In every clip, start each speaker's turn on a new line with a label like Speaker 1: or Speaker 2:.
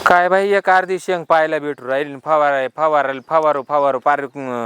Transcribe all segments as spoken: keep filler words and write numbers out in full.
Speaker 1: काय बाई एक अर्धी शेंग पाहायला भेटू राहील फवारा फवारा फवारू फवारू पार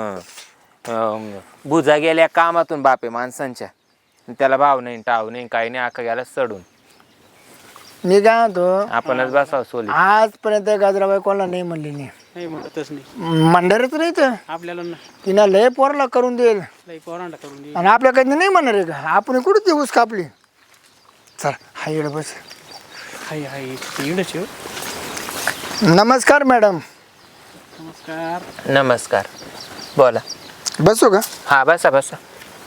Speaker 1: बुजा गेल्या कामातून बापे माणसांच्या त्याला भाव नाही टाव नाही काही नाही आखा गेला चढून
Speaker 2: मी काय म्हणतो
Speaker 1: आपणच बसाव सोली
Speaker 2: आजपर्यंत गाजराबाई कोणाला नाही म्हणली नाही
Speaker 3: नाही म्हणतच नाही
Speaker 2: म्हणणारच नाही तर
Speaker 3: आपल्याला ना
Speaker 2: तिनं लय पोराला करून देईल
Speaker 3: लई पोरांना करून दे.
Speaker 2: आणि आपल्याकडे नाही म्हणणार आहे का आपण कुठे दिवस कापली चल हा येड बस
Speaker 3: हाय हाय इकडंच आहे हो.
Speaker 2: नमस्कार मॅडम
Speaker 3: नमस्कार
Speaker 1: नमस्कार बोला
Speaker 2: बसू का
Speaker 1: हा बसा बसा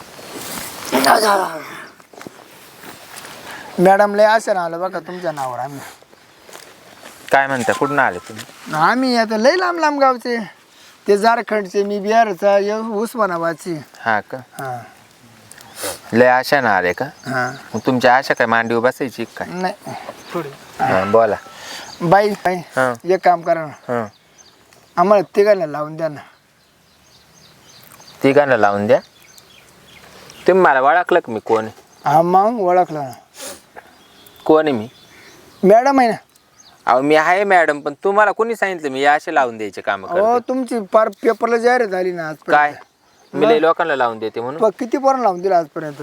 Speaker 2: मॅडम लय असं ना आलं बघा तुमच्या नावावर आम्ही
Speaker 1: काय म्हणता कुठून आले तुम्ही
Speaker 2: आम्ही आता लय लांब लांब गावचे ते झारखंडचे मी बिहारचा ये उस्मानाबादची
Speaker 1: हा का
Speaker 2: हां
Speaker 1: लय आशा ना आले का
Speaker 2: हां
Speaker 1: मग तुमच्या आशा काय मांडीवर बसायची काय
Speaker 2: नाही
Speaker 3: थोडी
Speaker 1: हा, बोला
Speaker 2: बाई बाई
Speaker 1: हां
Speaker 2: एक काम करा ना
Speaker 1: हां
Speaker 2: आम्हाला तिघांना लावून द्या ना
Speaker 1: तिघांना लावून द्या तुम्ही मला ओळखलं का मी कोण आहे?
Speaker 2: हा मग ओळखलं ना
Speaker 1: कोण आहे मी
Speaker 2: मॅडम आहे ना
Speaker 1: अहो मी आहे मॅडम पण तुम्हाला कोणी सांगितलं मी असे लावून द्यायचे काम
Speaker 2: हो तुमची पार पेपरला जाहीर झाली ना
Speaker 1: काय
Speaker 2: आजपर्यंत
Speaker 1: मी लई लोकांना लावून देते म्हणून
Speaker 2: प- किती पोरण लावून दिलं आजपर्यंत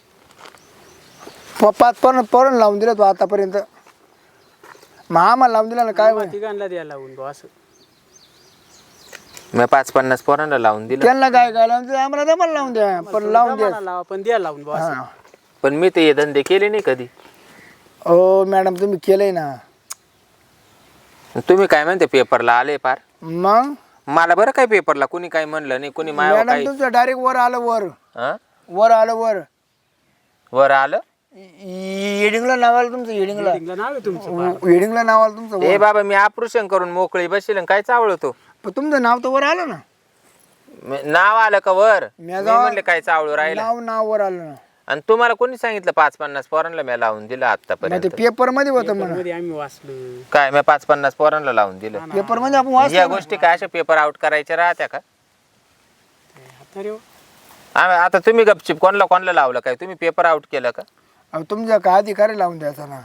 Speaker 2: प- पाच पोरण पोरण लावून दिलं तू आतापर्यंत मग आम्हाला लावून दिला ना काय होईल?
Speaker 3: तिघांना द्यायला लावून बुवा असं
Speaker 1: मी पाच पन्नास पोरांना लावून दिलं
Speaker 2: त्यांना काय काय लावून दिलं आम्हाला दमाला लावून द्या पण लावून द्या
Speaker 3: जमाना लावा पण द्यायला लावून बुवा असं
Speaker 2: हां
Speaker 1: पण मी ते हे धंदे केले नाही कधी
Speaker 2: हो मॅडम तुम्ही केलंय ना
Speaker 1: तुम्ही काय म्हणते पेपरला आले पार
Speaker 2: मग
Speaker 1: मला बरं काय पेपरला कुणी काय म्हणलं नाही कुणी माय
Speaker 2: मॅडम
Speaker 1: काय
Speaker 2: तुमचं डायरेक्ट वर आलं वर
Speaker 1: हं?
Speaker 2: वर आलं वर
Speaker 1: वर आलं
Speaker 2: येडिंगला नाव आलं तुमचं येडिंगला
Speaker 3: Meeting ला नाव आहे तुमचं
Speaker 2: येडिंगला नाव आलं तुमचं
Speaker 1: ए
Speaker 2: वर.
Speaker 1: बाबा मी ऑपरेशन करून मोकळी बसेल काय चावळतो
Speaker 2: पण तुमचं नाव तर वर आलं ना
Speaker 1: मी- नाव आलं का वर
Speaker 2: मी
Speaker 1: मी
Speaker 2: जाऊ-
Speaker 1: म्हणले काय चावळू राहिलं
Speaker 2: नाव नाव वर आलं ना
Speaker 1: आणि तुम्हाला कोणी सांगितलं पाच पन्नास पोरांना मी लावून दिलं
Speaker 2: मग
Speaker 1: आतापर्यंत
Speaker 2: ते पेपर मध्ये होतं म्हणा
Speaker 3: मध्ये आम्ही वाचलो
Speaker 1: काय मी पाच पन्नास पोरांना लावून दिलं
Speaker 2: पेपर मध्ये आपण
Speaker 1: या
Speaker 2: वाचतो
Speaker 1: गोष्टी काय अशा पेपर आउट करायच्या राहत्या का
Speaker 3: आता रे हो.
Speaker 1: आम्ही- आता तुम्ही गपचिप कोणाला कोणाला लावलं काय तुम्ही पेपर आउट केलं का
Speaker 2: अहो, तुमच्या का अधिकारी लावून द्यायचा ना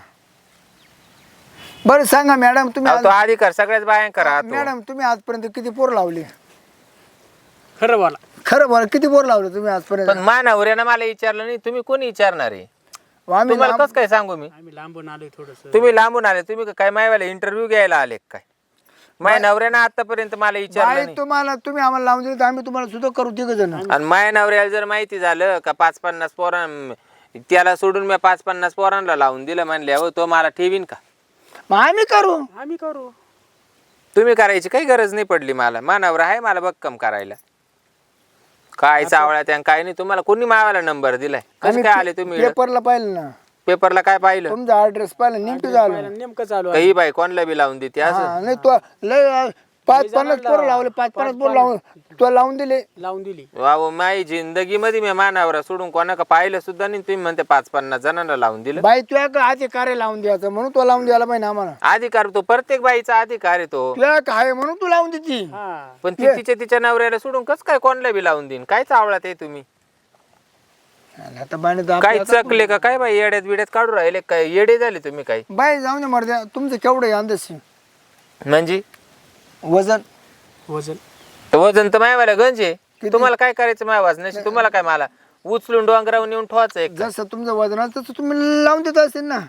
Speaker 2: बरं सांगा मॅडम तुम्ही
Speaker 1: अहो,
Speaker 2: आज-
Speaker 1: तो अधिकार सगळ्याच बायांकर राहतो
Speaker 2: मॅडम तुम्ही आजपर्यंत किती पोर लावले
Speaker 3: खरं बोला
Speaker 2: खरं बोला किती पोर लावले तुम्ही आजपर्यंत
Speaker 1: पण मानावऱ्यानं मला विचारलं नाही तुम्ही कोणी विचारणार आहे
Speaker 2: आम्ही
Speaker 1: तुम्हाला
Speaker 2: लांब-
Speaker 1: कसं काय सांगू मी
Speaker 3: आम्ही लांबून आलोय थोडस
Speaker 1: तुम्ही लांबून आले तुम्ही काय मायवाला इंटरव्ह्यू घ्यायला आले का काय माय नवऱ्यानं आतापर्यंत मला विचारलं
Speaker 2: बाई,
Speaker 1: नाही
Speaker 2: तुम्हाला तुम्ही आम्हाला लावून दिलं तर आम्ही तुम्हाला सुद्धा करू तिघ जण
Speaker 1: आणि माया नवऱ्याला जर माहिती झालं का पाच पन्नास पोरां त्याला सोडून मी पाच पन्नास पोरांना लावून दिलं म्हणले हो तो मला ठेवीन का
Speaker 2: मग आम्ही करू
Speaker 3: आम्ही करू
Speaker 1: तुम्ही करायची काही गरज नाही पडली मला मानावर आहे मला भक्कम करायला काय चावळ्या त्या काय नाही तुम्हाला कोणी मावाला नंबर दिलाय कसं काय आले तुम्ही इकडं?
Speaker 2: पेपरला पाहिलं ना
Speaker 1: पेपरला काय पाहिलं
Speaker 2: तुमचा ऍड्रेस पाहिला नेमकं झालं
Speaker 3: पहिला नेमकं चालू आहे
Speaker 1: काही बाई कोणला बी लावून देते असं
Speaker 2: हा, नाही तो लय पाच पन्नास पोरं लावले पाच पन्नास पोरं लावून तो लावून दिले
Speaker 3: लावून दिली
Speaker 1: वाव माई जिंदगी मध्ये मी मानावर सोडून कोणाका पाहिलं सुद्धा नाही तुम्ही म्हणते पाच पन्नास जणांना लावून दिलं
Speaker 2: बाई तुया का अधिकारी लावून द्यायचं म्हणून तो लावून द्यायला पाहिजे आम्हाला
Speaker 1: अधिकार तो प्रत्येक बाईचा अधिकार आहे तो
Speaker 2: तुया काय म्हणून तू लावून देती
Speaker 3: हा
Speaker 1: पण ती तिच्या तिच्या नवऱ्याला सोडून कस काय कोणला बी लावून देईन काय चावळात आहे तुम्ही
Speaker 2: आता बाईने तर
Speaker 1: काय
Speaker 2: आपल्या-
Speaker 1: चकले का काय बाई येड्यात बिड्यात काढू राहिले काय येडे झाले तुम्ही काय
Speaker 2: बाई जाऊन दे मर्द्या तुमचं केवढं आहे अंदाज
Speaker 1: म्हणजे
Speaker 2: वजन
Speaker 3: वजन
Speaker 1: तर वजन तर मायवाला गंज आहे तुम्हाला काय करायचं माय वाजण्याशी तुम्हाला काय मला उचलून डोंगरावर नेऊन ठेवायचं एक
Speaker 2: जसं तुमचं वजन असतं तसं तुम्ही लावून देत असेल ना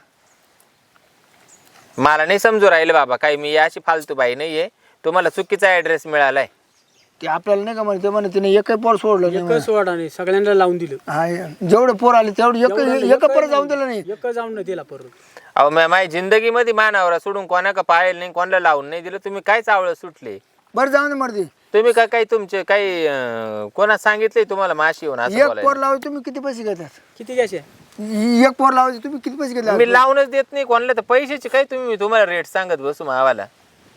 Speaker 1: मला नाही समजू राहिलं बाबा काही मी अशी फालतू बाई नाहीये तुम्हाला चुकीचा ऍड्रेस मिळालाय
Speaker 2: ते आपल्याला नाही का म्हणे ते म्हणे तिने एकही पोर सोडलं नाही म्हणे.
Speaker 3: एकच वाडा नाही सगळ्यांना लावून दिलं
Speaker 2: हा जेवढे पोर आले तेवढे एक एक परत जाऊन दिलं नाही
Speaker 3: एक जाऊन नाही दिला परत
Speaker 1: अहो मा- माझ्या जिंदगी मध्ये मानावरा सोडून कोणाका पाहिलं नाही कोणाला लावून नाही दिलं तुम्ही काय चावळ सुटले
Speaker 2: बरं जाऊन दे मर्दी
Speaker 1: तुम्ही काय काही तुमचे काही अं, कोणा सांगितलंय तुम्हाला माशी येऊन असं
Speaker 2: एक पोर
Speaker 1: बोलायला?
Speaker 2: लावायचे तुम्ही किती पैसे घेतात
Speaker 3: किती घ्यायचे
Speaker 2: एक पोर लावायचे तुम्ही किती पैसे घेतले
Speaker 1: मी लावूनच देत नाही कोणाला तर पैशाचे काय तुम्ही मी तुम्हाला रेट सांगत बसू मावाला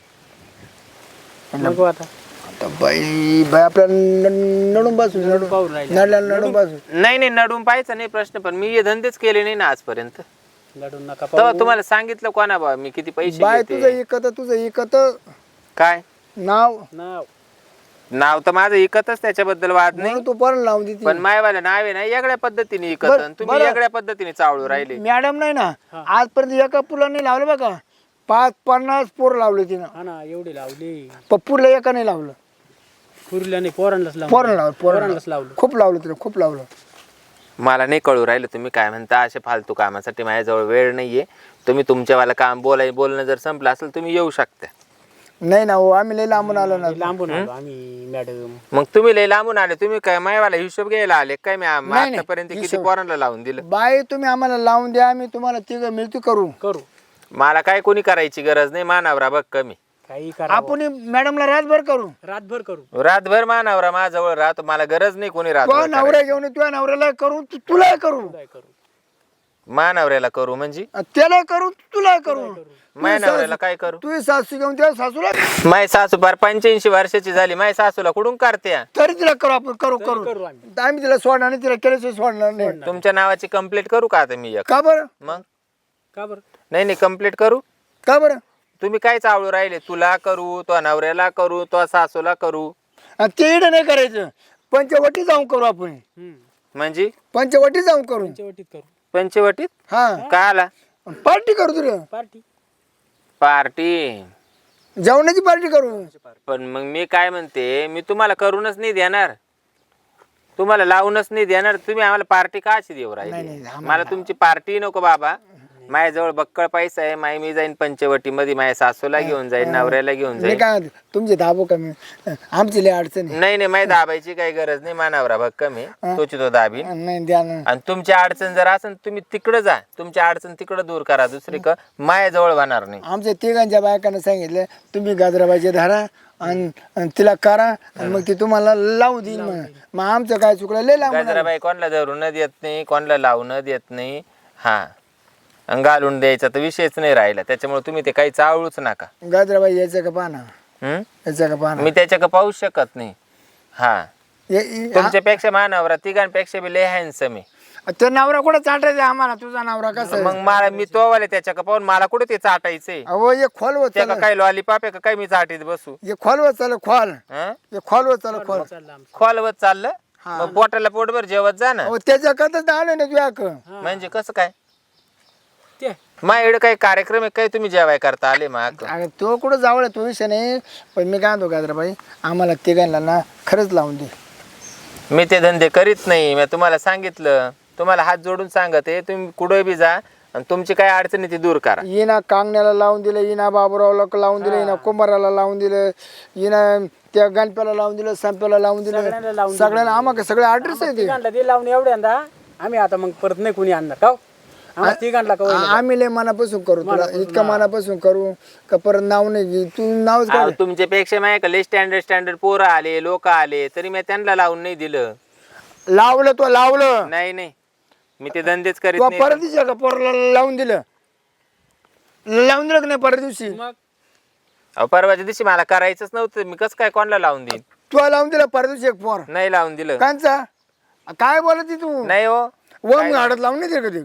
Speaker 3: नको आता
Speaker 2: आता बाई बाई आपल्याला न- नडून बसू नडून
Speaker 3: पाहून राहिले
Speaker 2: नडल्याला नडून बसू
Speaker 1: नाही नाही नडून पाहायचा नाही प्रश्न पण मी हे धंदेच केले नाही ना आजपर्यंत
Speaker 3: लढून नका
Speaker 1: तेव्हा तुम्हाला सांगितलं कोणा बा मी किती पैसे
Speaker 2: बाय
Speaker 1: घेते.
Speaker 2: तुझं इकत तुझं इकत
Speaker 1: काय
Speaker 2: नाव
Speaker 3: नाव
Speaker 1: नाव तर माझं इकतच त्याच्याबद्दल वाद नाही
Speaker 2: म्हणून तू पोरण लावून देते
Speaker 1: पण मायवाला नाव आहे ना वेगळ्या पद्धतीने इकत
Speaker 2: बरं,
Speaker 1: आणि तुम्ही
Speaker 2: बरं.
Speaker 1: वेगळ्या पद्धतीने चावळू राहिले
Speaker 2: मॅडम नाही ना आजपर्यंत एका पुला नाही लावलं बघा पाच पन्नास पोर लावले तिनं
Speaker 3: हा ना एवढी लावली
Speaker 2: पप्पूला एका नाही लावलं
Speaker 3: पुरल्याने पोरांनाच लावलं
Speaker 2: पोरण लावलं पोरण
Speaker 3: पोरांनाच लावलं
Speaker 2: खूप लावलं तिनं खूप लावलं
Speaker 1: मला नाही कळू राहिलं तुम्ही काय म्हणता. असे फालतू कामासाठी माझ्याजवळ वेळ नाहीये. तुम्ही तुमच्यावाला काम बोलाय बोलणं जर संपलं असेल तुम्ही येऊ शकता.
Speaker 2: नाही ना हो आम्ही लई लांबून आलो ना
Speaker 3: लांबून आलो आम्ही मॅडम.
Speaker 1: मग तुम्ही लय लांबून आले. तुम्ही काय मायवाला हिशोब घ्यायला आले काय? मी आम-
Speaker 2: नाही, नाही.
Speaker 1: आतापर्यंत किती
Speaker 2: हिशोब.
Speaker 1: पोरांना लावून दिलं.
Speaker 2: बाई तुम्ही आम्हाला लावून द्या आम्ही तुम्हाला तिघं मिळती करू
Speaker 3: करू
Speaker 1: मला काय कोणी करायची गरज नाही. मानावरा बघ कमी.
Speaker 3: काही करा
Speaker 2: आपण मॅडमला रातभर करू
Speaker 3: रातभर करू
Speaker 1: रातभर मानावरा माझ्याजवळ राहतो. मला गरज नाही कोणी
Speaker 2: तो
Speaker 1: रातभर
Speaker 2: नवऱ्या घेऊन तुझ्या नवऱ्याला करू तू- तुला करू
Speaker 3: काय करू
Speaker 1: मानावऱ्याला करू म्हणजे
Speaker 2: त्याला करू तुला करू
Speaker 1: माय नवऱ्याला काय करू?
Speaker 2: तुझी सासू घेऊन त्या सासूला
Speaker 1: माय सासू फार पंच्याऐंशी वर्षाची झाली. माय सासूला कुठून करते?
Speaker 2: तरी तिला करू आपण करू करू
Speaker 3: करू आम्ही
Speaker 2: आम्ही तिला सोडणार नाही तिला केल्याशिवाय सोडणार नाही
Speaker 1: तुमच्या नावाची कंप्लीट करू का आता मी एक?
Speaker 2: का बरं
Speaker 1: मग
Speaker 3: का बरं
Speaker 1: नाही नाही कंप्लीट करू.
Speaker 2: का बरं
Speaker 1: तुम्ही काय चावळू राहिले? तुला करू, तो नवऱ्याला करू, तो सासूला करू
Speaker 2: आणि ते इडं नाही करायचं पंचवटी जाऊन करू आपण
Speaker 3: हम्म
Speaker 1: म्हणजे
Speaker 2: पंचवटी जाऊन करू
Speaker 3: पंचवटीत करू
Speaker 1: पंचवटीत
Speaker 2: हा
Speaker 1: काय आला?
Speaker 2: पार्टी करू तुला
Speaker 3: पार्टी
Speaker 1: पार्टी.
Speaker 2: जेवणाची पार्टी करू
Speaker 1: पण मग मी काय म्हणते, मी तुम्हाला करूनच नाही देणार, तुम्हाला लावूनच नाही देणार. तुम्ही आम्हाला पार्टी का अशी देऊ
Speaker 2: नाही,
Speaker 1: राहिली?
Speaker 2: नाही,
Speaker 1: मला तुमची पार्टी नको बाबा. माझ्याजवळ बक्कळ पैसा आहे. माय मी जाईन पंचवटी मध्ये, माझ्या सासूला घेऊन जाईन, नवऱ्याला घेऊन
Speaker 2: मी
Speaker 1: जाईन.
Speaker 2: काय म्हणतो, तुमचे दाबो कमी आमची लय अडचण आहे.
Speaker 1: नाही नाही माझी दाबायची काही गरज नाही. मानावरा भक्कम आहे, तोची तो दाबीन.
Speaker 2: नाही द्या ना
Speaker 1: आणि तुमची अडचण जर असेल तुम्ही तिकडे जा, तुमची अडचण तिकडे दूर करा. दुसरी का माझ्याजवळ होणार नाही.
Speaker 2: आमच्या तिघांच्या बायकांना सांगितलं तुम्ही गाजराबाईचे धारा आणि आणि तिला करा आणि मग ती तुम्हाला लावू देईल म्हणा. मग आमचं काय चुकलं लय लांब
Speaker 1: गाजराबाई कोणाला धरून देत नाही, कोणाला लावून देत नाही. हा आणि घालून द्यायचा तर विषयच नाही राहिला. त्याच्यामुळे तुम्ही ते काही चावळूच नका.
Speaker 2: गाजराबाई यायचं का पाना
Speaker 1: हम्म?
Speaker 2: यायचं का पाना
Speaker 1: मी त्याच्या पाहूच शकत नाही. हा
Speaker 2: ये- ये-
Speaker 1: तुमच्यापेक्षा मानवरा तिघांपेक्षा बी लय हँडसम आहे.
Speaker 2: आ- तो नवरा कुठं चाटायचा आम्हाला तुझा नवरा कसा आहे?
Speaker 1: मग मला मी तो वाले त्याच्या का पाहून मला कुठे ते चाटायचंय?
Speaker 2: अहो ये खोलवत
Speaker 1: त्या
Speaker 2: चला
Speaker 1: का काही लॉलीपॉप आहे का काय मी चाटीत बसू?
Speaker 2: ये खोलवत चला खोल
Speaker 1: हं?
Speaker 2: ये खोलवत चला खोल
Speaker 3: चाललं आमचं
Speaker 1: खोलवत चाललं. मग पोटाला पोटभर जेवत जा ना.
Speaker 2: अहो त्याच्या कथच आलो ना तुझ्या क
Speaker 1: म्हणजे कसं काय?
Speaker 3: ते
Speaker 1: माझ्याकडे काही कार्यक्रम आहे काय तुम्ही जेवाय करता आले मग?
Speaker 2: अगं तो कुठं जावळ तो विषय नाही पण मी काय म्हणतो गाजराबाई आम्हाला तिघांना ना खरंच लावून दे.
Speaker 1: मी ते धंदे करीत नाही. मी तुम्हाला सांगितलं, तुम्हाला हात जोडून सांगते, तुम्ही कुठे बी जा आणि तुमची काय अडचणी ती दूर करा.
Speaker 2: येना कांगण्याला लावून दिलं, येना बाबुरावला लावून दिलं, येना कुंभाराला लावून दिलं, येना त्या गणप्याला लावून दिलं, संप्याला लावून
Speaker 3: सगळ्यांना
Speaker 2: दिलं,
Speaker 3: लावून
Speaker 2: सगळ्यांना आम्हाला सगळे ॲड्रेस आहे ते.
Speaker 3: तिघांना ते लावून एवढ्यांदा आम्ही आता मग परत नाही कोणी आणणार का हो? आम्हाला तिघांना का होईना?
Speaker 2: आ- आम्ही लय मनापासून करू तुला इतकं मनापासून करू का परत नाव नाही घे तू नावच
Speaker 1: अहो,
Speaker 2: काढ.
Speaker 1: तुमच्यापेक्षा माझ्या लय स्टँडर्ड स्टँडर्ड पोरं आले, लोक आले, तरी मी त्यांना लावून नाही दिलं.
Speaker 2: लावलं तो लावलं
Speaker 1: नाही नाही मी ते धंदेच करीत
Speaker 2: तो
Speaker 1: नाही.
Speaker 2: परत दिवशी का पोराला लावून दिलं लावून दिलं का नाही परत दिवशी
Speaker 3: मग
Speaker 1: अहो, परवाच्या दिवशी मला करायचंच नव्हतं. मी कसं काय कोणाला लावून देईन?
Speaker 2: तू लावून दिलं परत दिवशी एक पोर
Speaker 1: नाही लावून दिलं.
Speaker 2: कांचा काय बोलत तू
Speaker 1: नाही हो.
Speaker 2: वम गाडत लावून नाही दिलं कधी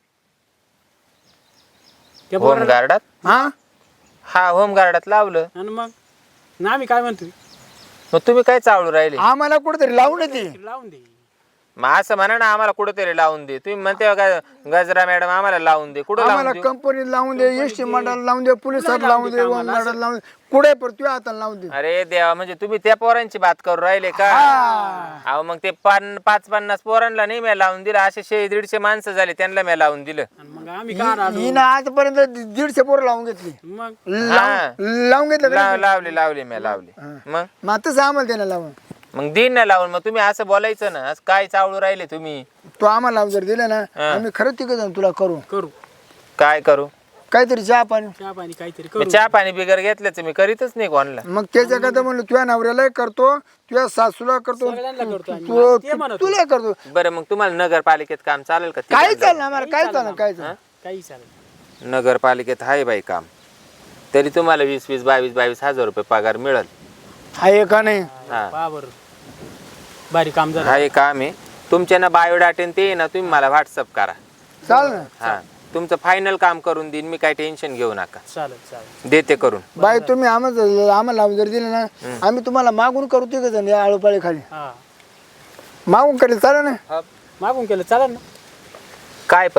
Speaker 3: त्या
Speaker 1: होम
Speaker 3: पोराला
Speaker 1: गार्डात
Speaker 2: हा
Speaker 1: हा होम गार्डात लावलं.
Speaker 3: आणि मग ना आम्ही काय म्हणतोय
Speaker 1: मग तुम्ही काय चावळू राहिले?
Speaker 2: आम्हाला कुठेतरी लावून येते
Speaker 3: लावून दे
Speaker 1: मग असं म्हणा ना, आम्हाला कुठेतरी लावून दे. तुम्ही म्हणते का गजरा मॅडम आम्हाला लावून दे? कुठं लावून
Speaker 2: आम्हाला
Speaker 1: दे?
Speaker 2: कंपनीत लावून दे एस टी मंडळाला लावून दे पोलिसात लावून दे वम गाडाला लावून दे कुठे पण तुझ्या हाताला लावून दे.
Speaker 1: अरे देवा, म्हणजे तुम्ही त्या पोरांची बात करू राहिले का? अहो मग ते पान पाच पन्नास पोरांना नाही मी लावून दिलं. असे शे दीडशे माणसं झाले त्यांना मी लावून दिलं.
Speaker 3: आणि मग आम्ही का आलो
Speaker 2: हिनं आजपर्यंत दीडशे पोरं लावून घेतली
Speaker 3: मग
Speaker 2: लावून लावून घेतलं का
Speaker 1: लाव-
Speaker 2: नाही?
Speaker 1: लावले लावले मी लावले. मग
Speaker 2: मग तसं आम्हाला त्याला लावून
Speaker 1: मग दिन ना लावून. मग तुम्ही असं बोलायचं ना, असं काय चावळू राहिले तुम्ही?
Speaker 2: तो आम्हाला लावून जर दिलं ना आम्ही खरंच तिकडे जाऊन तुला करू
Speaker 3: करू
Speaker 1: काय करू?
Speaker 2: काहीतरी चहा पाणी
Speaker 3: चहा पाणी काहीतरी
Speaker 1: मी
Speaker 3: करू
Speaker 1: चहा पाणी बिगर घेतल्याच मी करीतच नाही कोणाला.
Speaker 2: मग त्याच्या करता म्हणलं तुझ्या नवऱ्याला करतो तुझ्या सासूला करतो
Speaker 3: सगळ्यांना करतो आम्ही.
Speaker 2: तू-
Speaker 3: ते म्हणत
Speaker 2: तुला करतो
Speaker 1: बरं मग तुम्हाला नगरपालिकेत काम चालेल का?
Speaker 2: काही चाललं आम्हाला काय चाललं काय चाललं
Speaker 3: काही चालेल
Speaker 1: नगरपालिकेत आहे बाई काम, तरी तुम्हाला वीस वीस बावीस बावीस हजार रुपये पगार मिळेल.
Speaker 2: आहे का नाही
Speaker 1: हा
Speaker 3: पहा बरं भारी काम झालं
Speaker 1: हा हे काम आहे. तुमच्या ना बायोडाटे ते आहे ना, तुम्ही मला व्हॉट्सअप करा.
Speaker 2: चाल ना
Speaker 1: हा तुमचं फायनल काम करून देईन मी, काही टेन्शन घेऊ नका,
Speaker 3: चालेल चालेल
Speaker 1: देते करून.
Speaker 2: बाई तुम्ही आम्हाला आम्हाला लावून जर दिलं ना आम्ही तुम्हाला मागून करू ते जण या आळूपाळी खाली
Speaker 3: हा
Speaker 2: मागून करेल चालेल ना
Speaker 3: मागून केलं चालेल ना
Speaker 1: काय पण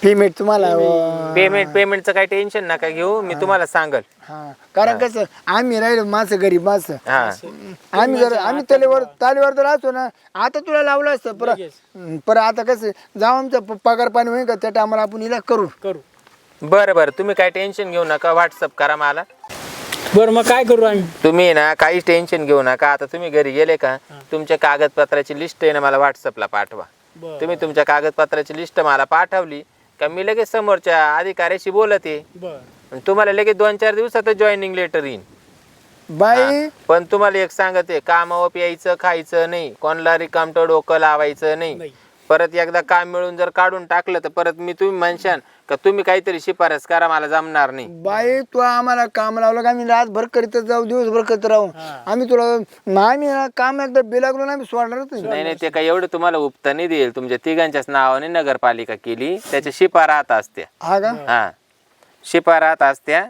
Speaker 2: पेमेंट तुम्हाला अं,
Speaker 1: पेमेंट पेमेंटचं काही टेन्शन नका घेऊ, मी तुम्हाला सांगल.
Speaker 2: हा कारण कसं आम्ही राहिलो माणसं गरीब माणसं
Speaker 1: हा
Speaker 2: आम्ही जर आम्ही तलेवर तालीवर तर असतो ना आता तुला लावलं असतं पर पर आता कसं जाऊ आमचं प- पगार पाणी होईल का त्या टायमाला आपण हिला करू
Speaker 3: करू.
Speaker 1: बरं बरं, तुम्ही काही टेन्शन घेऊ नका, व्हॉट्सअप करा मला.
Speaker 3: बरं मग काय करू आम्ही?
Speaker 1: तुम्ही ना काहीच टेन्शन घेऊ नका. आता तुम्ही घरी गेले का तुमच्या कागदपत्राची लिस्ट आहे ना मला व्हॉट्सअपला पाठवा.
Speaker 3: बरं.
Speaker 1: तुम्ही तुमच्या कागदपत्राची लिस्ट मला पाठवली का मी लगेच समोरच्या अधिकाऱ्याशी बोलते.
Speaker 3: बरं
Speaker 1: तुम्हाला लगेच दोन चार दिवसातच जॉईनिंग लेटर येईन.
Speaker 2: बाई
Speaker 1: पण तुम्हाला एक सांगते, कामावर प्यायचं खायचं नाही, कोणाला रिकामटं डोकं लावायचं नाही.
Speaker 3: नाही.
Speaker 1: परत एकदा काम मिळून जर काढून टाकलं तर परत मी तुम्ही म्हणशान का तुम्ही काहीतरी शिफारस करा, मला जमणार नाही.
Speaker 2: बाई तू आम्हाला काम लावलं का आम्ही रातभर करीत जाऊ दिवसभर करत राहू आम्ही तुला आम्ही ना काम एकदा बेलागलो ना आम्ही सोडणारच नाही
Speaker 1: नाही नाही, ते काय एवढं तुम्हाला उपता नाही देईल. तुमच्या तिघांच्याच नावाने नगरपालिका केली, त्याच्या शिपा राहत असत्या.
Speaker 2: हा का
Speaker 1: हा शिपा राहत असत्या.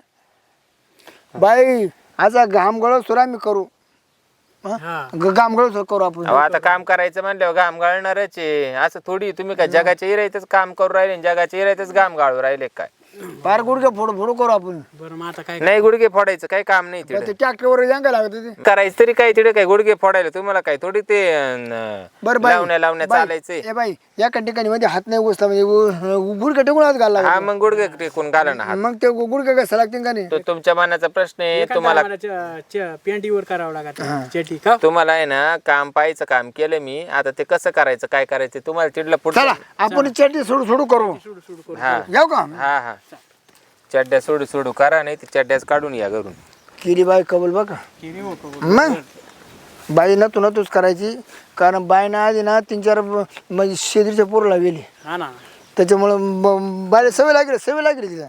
Speaker 2: बाई असा घाम गळ सुरा आम्ही करू
Speaker 3: हा
Speaker 2: घाम गळ करू आपण
Speaker 1: अहो, आता काम करायचं म्हणल्यावर घाम गाळणारच आहे. असं थोडी तुम्ही काय जगाच्या इरायतच काम करू राहिले आणि जगाच्या इरायतच घाम गाळू राहिले काय?
Speaker 2: फार गुडघे फोडू फोडू करू आपण
Speaker 3: बरं मग आता काय?
Speaker 1: नाही, गुडघे फोडायचं काही काम नाही तिकडे.
Speaker 2: ते ट्रॅक्टरवर जांगा लागत ते
Speaker 1: करायचं तरी काय तिकडे, काय गुडघे फोडायला तुम्हाला काय थोडी ते अं,
Speaker 2: बरं बाई
Speaker 1: लावण्या लावण्या
Speaker 2: बाई,
Speaker 1: चालायचंय.
Speaker 2: ए बाई या ठिकाणी मध्ये हात नाही घुसला म्हणजे गुडघे टेकून हात घालला
Speaker 1: हा मग गुडघे टेकून घाला ना हात.
Speaker 2: मग ते गुडघे कसं लागतील का नाही
Speaker 1: तो तुमच्या मनाचा प्रश्न आहे. तुम्हाला
Speaker 3: पेंटीवर करावं लागत चेटी का?
Speaker 1: तुम्हाला आहे ना काम पाहायचं काम केलं मी. आता ते कसं करायचं काय करायचं तुम्हाला तिथलं पुढचं.
Speaker 2: चला आपण चटणी सोडू सोडू करू
Speaker 3: सुडू सुडू करू.
Speaker 1: हा
Speaker 2: जाऊ का
Speaker 1: हा हा चड्ड्या सोडू सोडू करा, नाही ते चड्ड्याच काढून या घरून.
Speaker 2: किरी बाई कबल बघा
Speaker 3: किती हो कबूल.
Speaker 2: मग बाई ना तू ना तूच करायची कारण बाई ना आधी ना तीन चार ब- म्हणजे शेतीच्या पोरला गेली
Speaker 3: हा ना
Speaker 2: त्याच्यामुळं ब- बाईला सवय लागली सवय लागली तिला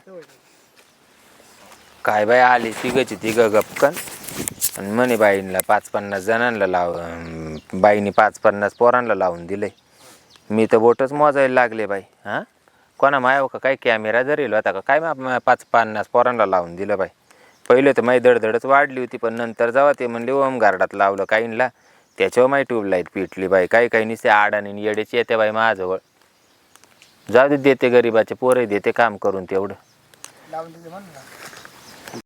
Speaker 1: काय बाई आली तिघची तिघ गपकन आणि म्हणे बाईंना पाच पन्नास जणांना लाव अं, बाईने पाच पन्नास पोरांना लावून दिलंय. मी तर बोटच मोजायला लागले बाई. हा कोणा माया का काय कॅमेरा धरेल होता का काय मा- पाच पन्नास पोरांना लावून दिलं बाई. पहिले तर माझी दडदडच वाढली होती, पण नंतर जेव्हा ते म्हणले ओम गार्डात लावलं काहींना त्याच्यावर माझी ट्यूबलाईट पिटली बाई. काही काही निसे आडाने येडेची येते बाई माझ्याजवळ. जाऊ दे, देते गरीबाचे पोरं देते काम करून तेवढं.
Speaker 2: लावून तिथे म्हण ना